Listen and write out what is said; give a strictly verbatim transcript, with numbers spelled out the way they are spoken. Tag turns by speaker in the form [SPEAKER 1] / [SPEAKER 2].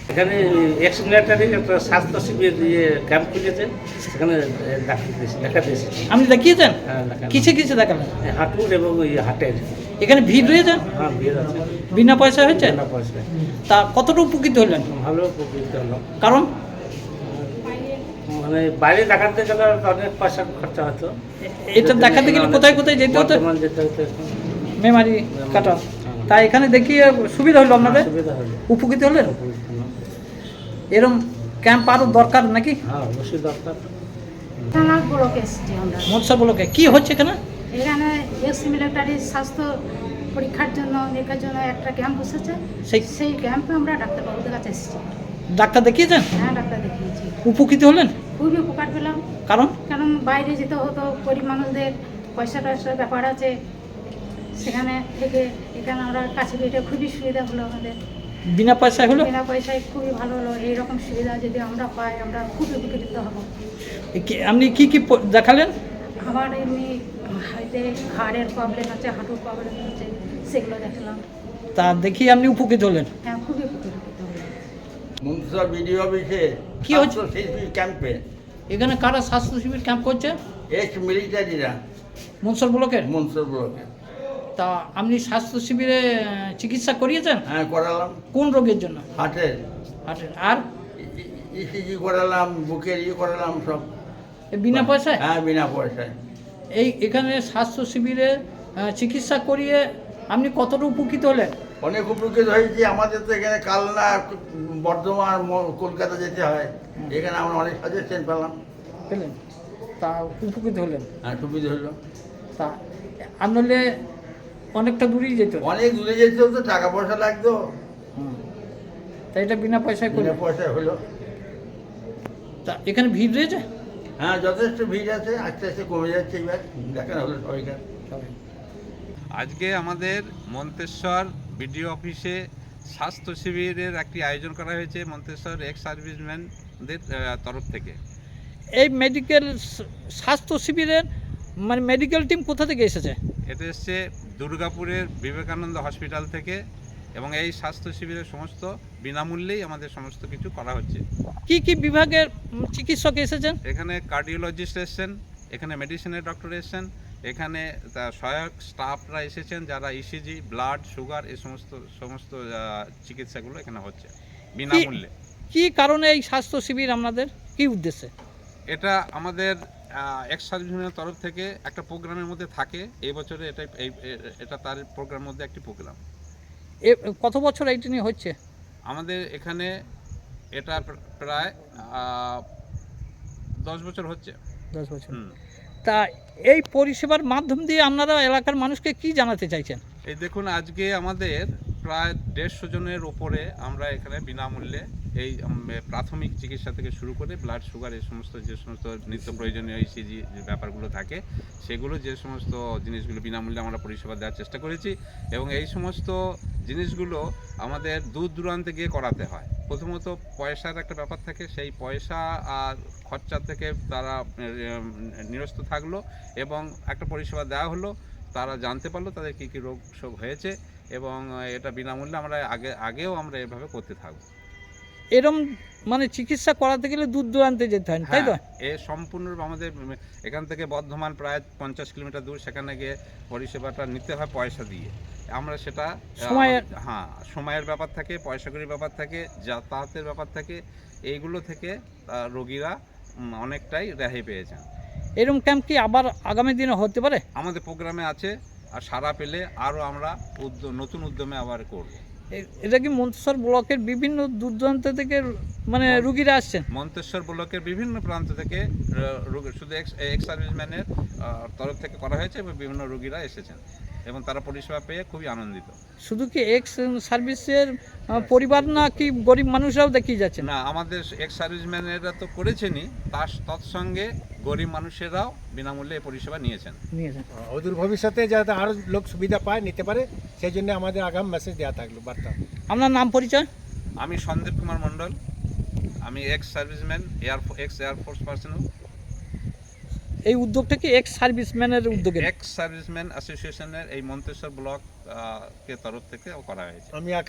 [SPEAKER 1] এখানে ex military একটা স্বাস্থ্য শিবির দিয়ে ক্যাম্প খুলেছে, সেখানে দেখাতে এসেছি।
[SPEAKER 2] আপনি দেখিয়েছেন?
[SPEAKER 1] হ্যাঁ, দেখালাম।
[SPEAKER 2] কিসে কিসে দেখালেন?
[SPEAKER 1] হাঁটুর এবং ওই হাটের।
[SPEAKER 2] এখানে ভিড় রয়েছে?
[SPEAKER 1] হ্যাঁ, ভিড় আছে।
[SPEAKER 2] বিনা পয়সা হয়েছে?
[SPEAKER 1] বিনা পয়সায়।
[SPEAKER 2] তা কতটা উপকৃত হলেন?
[SPEAKER 1] ভালো উপকৃত হলাম।
[SPEAKER 2] কারণ
[SPEAKER 1] মানে বাইরে দেখাতে গেলে অনেক পয়সা খরচা হতো।
[SPEAKER 2] এটা দেখাতে গেলে কোথায় কোথায় যেতে হতো?
[SPEAKER 1] বর্ধমান যেতে হতো।
[SPEAKER 2] মেমারি কাটা। তাই এখানে দেখিয়ে সুবিধা হলো আপনাদের?
[SPEAKER 1] সুবিধা হলো।
[SPEAKER 2] উপকৃত হলেন?
[SPEAKER 1] উপকৃত হলাম।
[SPEAKER 2] এরম ক্যাম্প আরও দরকার নাকি?
[SPEAKER 1] হ্যাঁ, অবশ্যই দরকার।
[SPEAKER 3] থানার ব্লকে এসেছি আমরা।
[SPEAKER 2] মৎস্য ব্লকে কি হচ্ছে এখানে?
[SPEAKER 3] এখানে এক্স মিলিটারি স্বাস্থ্য পরীক্ষার জন্য নিরীক্ষার জন্য একটা ক্যাম্প বসেছে।
[SPEAKER 2] সেই
[SPEAKER 3] সেই ক্যাম্পে আমরা ডাক্তারবাবুদের কাছে এসেছি।
[SPEAKER 2] ডাক্তার দেখিয়েছেন?
[SPEAKER 3] হ্যাঁ, ডাক্তার দেখিয়েছি।
[SPEAKER 2] উপকৃত হলেন?
[SPEAKER 3] খুবই উপকার পেলাম।
[SPEAKER 2] কারণ
[SPEAKER 3] কারণ বাইরে যেতে হতো, গরিব মানুষদের পয়সা টয়সার ব্যাপার আছে, সেখানে থেকে এখানে আমরা কাছে পেটে খুবই সুবিধা হলো আমাদের।
[SPEAKER 2] বিনা পয়সায় হলো?
[SPEAKER 3] বিনা পয়সায় খুবই ভালো হলো। এইরকম সুবিধা যদি আমরা পাই আমরা খুব উপকৃত হব।
[SPEAKER 2] এ কি- আপনি কি কি প- দেখালেন?
[SPEAKER 3] আমার এমনি হাতে হাড়ের প্রবলেম আছে, হাঁটুর প্রবলেম আছে, সেগুলো দেখলাম।
[SPEAKER 2] তা দেখি আপনি উপকৃত হলেন?
[SPEAKER 3] হ্যাঁ, খুবই উপকৃত হলাম।
[SPEAKER 4] মন্ত্রিসভা বিডিও অফিসে
[SPEAKER 2] কি হচ্ছে?
[SPEAKER 4] স্বাস্থ্য শিল্পী ক্যাম্পে
[SPEAKER 2] এখানে কারা স্বাস্থ্য শিবির ক্যাম্প করছে?
[SPEAKER 4] এক্স মিলিটারিরা
[SPEAKER 2] মনসর ব্লকের।
[SPEAKER 4] মন্ত্রিসভা ব্লকে।
[SPEAKER 2] তা আপনি স্বাস্থ্য শিবিরে আহ, চিকিৎসা করিয়েছেন?
[SPEAKER 4] হ্যাঁ, করালাম।
[SPEAKER 2] কোন রোগের জন্য?
[SPEAKER 4] হার্টের
[SPEAKER 2] হার্টের। আর
[SPEAKER 4] ইসিজি করালাম, বুকের ই করালাম সব।
[SPEAKER 2] এ বিনা পয়সায়?
[SPEAKER 4] হ্যাঁ, বিনা পয়সায়।
[SPEAKER 2] এই এখানে স্বাস্থ্য শিবিরে আহ, চিকিৎসা করিয়ে আপনি কতটা উপকৃত হলেন?
[SPEAKER 4] অনেক উপকৃত হয়েছি। আমাদের তো এখানে কালনা, বর্ধমান, ম- কলকাতা যেতে হয়। এখানে আমরা অনেক সাজেশন পেলাম।
[SPEAKER 2] পেলেন? তা উপকৃত হলেন?
[SPEAKER 4] হ্যাঁ, সুবিধা হলো।
[SPEAKER 2] তা আনলে অনেকটা দূরেই যেত।
[SPEAKER 4] অনেক দূরে যেতে হতো, টাকা পয়সা লাগতো।
[SPEAKER 2] হুম। তা এটা বিনা পয়সায় করে?
[SPEAKER 4] বিনা পয়সায় হলো।
[SPEAKER 2] তা এখানে ভিড় রয়েছে?
[SPEAKER 4] হ্যাঁ, যথেষ্ট ভিড় আছে। আস্তে আস্তে কমে যাচ্ছে এবার। দেখানো হলো সবাইকার।
[SPEAKER 2] সবাই।
[SPEAKER 5] আজকে আমাদের মন্তেশ্বর বিডিও অফিসে স্বাস্থ্য শিবিরের একটি আয়োজন করা হয়েছে মন্তেশ্বর এক্স সার্ভিসম্যানদের আহ, তরফ থেকে।
[SPEAKER 2] এই মেডিকেল স্বাস্থ্য শিবিরের মানে মেডিকেল টিম কোথা থেকে এসেছে?
[SPEAKER 5] এটা এসছে দুর্গাপুরের বিবেকানন্দ হসপিটাল থেকে এবং এই স্বাস্থ্য শিবিরের সমস্ত বিনামূল্যেই আমাদের সমস্ত কিছু করা হচ্ছে।
[SPEAKER 2] কি কি বিভাগের উম, চিকিৎসক এসেছেন?
[SPEAKER 5] এখানে কার্ডিওলজিস্ট এসছেন, এখানে মেডিসিনের ডক্টর এসছেন, এখানে তার সহায়ক স্টাফরা এসেছেন যারা ইসিজি, ব্লাড, সুগার এই সমস্ত সমস্ত আহ, চিকিৎসাগুলো এখানে হচ্ছে বিনামূল্যে।
[SPEAKER 2] কি কারণে এই স্বাস্থ্য শিবির আপনাদের কি উদ্দেশ্যে?
[SPEAKER 5] এটা আমাদের এক্স সার্ভিসম্যানের তরফ থেকে একটা প্রোগ্রামের মধ্যে থাকে। এই বছরে এটা এই এটা তার প্রোগ্রামের মধ্যে একটি প্রোগ্রাম।
[SPEAKER 2] এ কত বছর এইটা নিয়ে হচ্ছে?
[SPEAKER 5] আমাদের এখানে এটা প্রায় আহ, দশ বছর হচ্ছে।
[SPEAKER 2] দশ বছর।
[SPEAKER 5] হুম।
[SPEAKER 2] তা এই পরিষেবার মাধ্যম দিয়ে আপনারা এলাকার মানুষকে কি জানাতে চাইছেন?
[SPEAKER 5] এই দেখুন, আজকে আমাদের প্রায় দেড়শো জনের ওপরে আমরা এখানে বিনামূল্যে এই উম, প্রাথমিক চিকিৎসা থেকে শুরু করে ব্লাড, সুগার এই সমস্ত যে সমস্ত নিত্য প্রয়োজনীয় ইসিজি যে ব্যাপারগুলো থাকে সেগুলো যে সমস্ত জিনিসগুলো বিনামূল্যে আমরা পরিষেবা দেওয়ার চেষ্টা করেছি। এবং এই সমস্ত জিনিসগুলো আমাদের দূর দূরান্তে গিয়ে করাতে হয়। প্রথমত পয়সার একটা ব্যাপার থাকে, সেই পয়সা আর খরচা থেকে তারা উম, নিরস্ত থাকলো এবং একটা পরিষেবা দেওয়া হলো। তারা জানতে পারলো তাদের কী কী রোগ শোক হয়েছে এবং এটা বিনামূল্যে আমরা আগে আগেও আমরা এভাবে করতে থাকবো।
[SPEAKER 2] এরম মানে চিকিৎসা করাতে গেলে দূর দূরান্তে যেতে হয়, তাই তো?
[SPEAKER 5] হ্যাঁ, এ সম্পূর্ণ আমাদের এখান থেকে বর্ধমান প্রায় পঞ্চাশ কিলোমিটার দূর, সেখানে গিয়ে পরিষেবাটা নিতে হয় পয়সা দিয়ে। আমরা সেটা
[SPEAKER 2] সময়ের-
[SPEAKER 5] হ্যাঁ, সময়ের ব্যাপার থাকে, পয়সাকড়ির ব্যাপার থাকে, যাতায়াতের ব্যাপার থাকে, এইগুলো থেকে আহ, রোগীরা উম, অনেকটাই রেহাই পেয়েছেন।
[SPEAKER 2] এরম ক্যাম্প কি আবার আগামী দিনে হতে পারে?
[SPEAKER 5] আমাদের প্রোগ্রামে আছে, আর সারা পেলে আরও আমরা উদ্য- নতুন উদ্যমে আবার করব।
[SPEAKER 2] এ- এটা কি মন্তেশ্বর ব্লকের বিভিন্ন দূর দূরান্ত থেকে মানে রুগীরা আসছেন?
[SPEAKER 5] মন্তেশ্বর ব্লকের বিভিন্ন প্রান্ত থেকে র- রোগী শুধু এক্স এক্স সার্ভিসম্যানের আহ, তরফ থেকে করা হয়েছে এবং বিভিন্ন রোগীরা এসেছেন এবং তারা পরিষেবা পেয়ে খুবই আনন্দিত।
[SPEAKER 2] শুধু কি এক্স সার্ভিসের আহ, পরিবার না কি গরিব মানুষরাও দেখিয়ে যাচ্ছেন?
[SPEAKER 5] না, আমাদের এক্স সার্ভিসম্যানেরা তো করেছেনই, তার তৎসঙ্গে গরিব মানুষেরাও বিনামূল্যে এই পরিষেবা নিয়েছেন।
[SPEAKER 2] নিয়েছেন।
[SPEAKER 6] অদূর ভবিষ্যতে যাতে আরও লোক সুবিধা পায়, নিতে পারে, সেই জন্য আমাদের আগাম মেসেজ দেওয়া থাকলো, বার্তা।
[SPEAKER 2] আপনার নাম পরিচয়?
[SPEAKER 5] আমি সন্দীপ কুমার মণ্ডল, আমি ex serviceman, air ex air force personal.
[SPEAKER 2] এই উদ্যোগটা কি এক্স সার্ভিসম্যানের উদ্যোগে?
[SPEAKER 5] এক্স সার্ভিসম্যান অ্যাসোসিয়েশনের এই মন্তেশ্বর ব্লক আহ, কে তরফ থেকে করা হয়েছে।
[SPEAKER 6] আমি